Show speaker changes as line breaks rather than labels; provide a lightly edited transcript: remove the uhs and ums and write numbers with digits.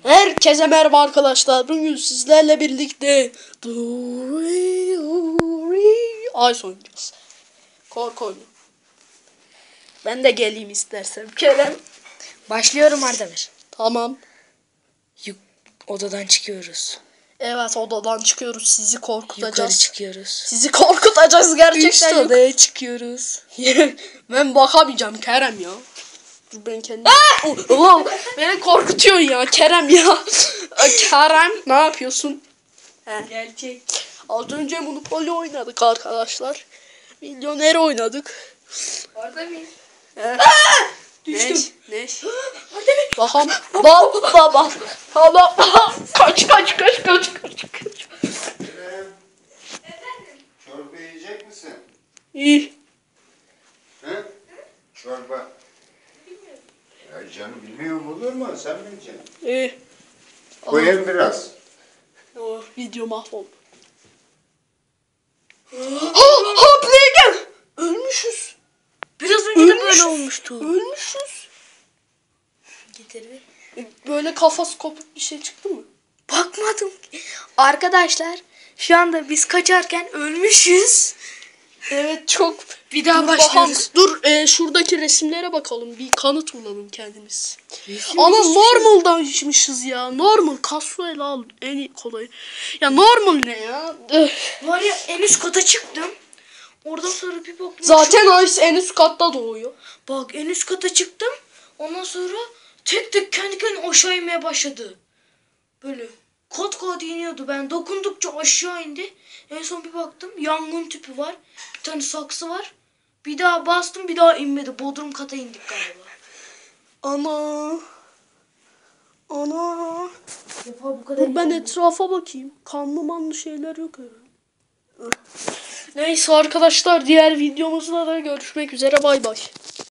Herkese merhaba arkadaşlar. Bugün sizlerle birlikte Ice oynayacağız. Korku oyunu. Ben de geleyim istersem. Kerem.
Başlıyorum Ardemir.
Tamam.
Odadan çıkıyoruz.
Evet, odadan çıkıyoruz. Sizi korkutacağız.
Yukarı çıkıyoruz.
Sizi korkutacağız gerçekten.
Üst odaya çıkıyoruz.
Ben bakamayacağım Kerem ya. Dur ben kendim. Beni korkutuyorsun ya Kerem ya. Kerem ne yapıyorsun?
Gerçek.
Az önce Monopoly oynadık arkadaşlar. Milyoner oynadık.
Ardemir.
Düştüm. Ne? Bakalım. Baba. Baba. Kaç.
Çorba yiyecek misin?
İyi.
He? Çorba. Ya canım bilmiyorum olur mu? Sen bileceksin.
İyi.
Koyayım biraz.
Oh, video mahvoldu. Ha play gel. Ölmüşüz.
Biraz önce de böyle olmuştu.
Ölmüşüz.
Getir bir.
Böyle kafası kopuk bir şey çıktı mı?
Bakmadım. Arkadaşlar şu anda biz kaçarken ölmüşüz.
Evet, çok.
Bir daha
Dur
başlıyoruz.
bakalım. Dur şuradaki resimlere bakalım. Bir kanıt bulalım kendimiz. Ama normaldan içmişiz ya. Normal. Casual al. En iyi kolayı. Ya normal ne ya?
Var ya en üst kata çıktım. Oradan sonra bir baktım.
Zaten Ice en üst katta doğuyor.
Bak en üst kata çıktım. Ondan sonra tek tek kendi kendine aşağı inmeye başladı. Böyle kat iniyordu. Ben dokundukça aşağı indi. En son bir baktım yangın tüpü var. Bir tane saksı var. Bir daha bastım, bir daha inmedi. Bodrum kata indik galiba.
Ana.
Defa bu kadar.
Dur ben etrafa bakayım. Kanlı manlı şeyler yok herhalde. Neyse arkadaşlar, diğer videomuzda da görüşmek üzere. Bay bay.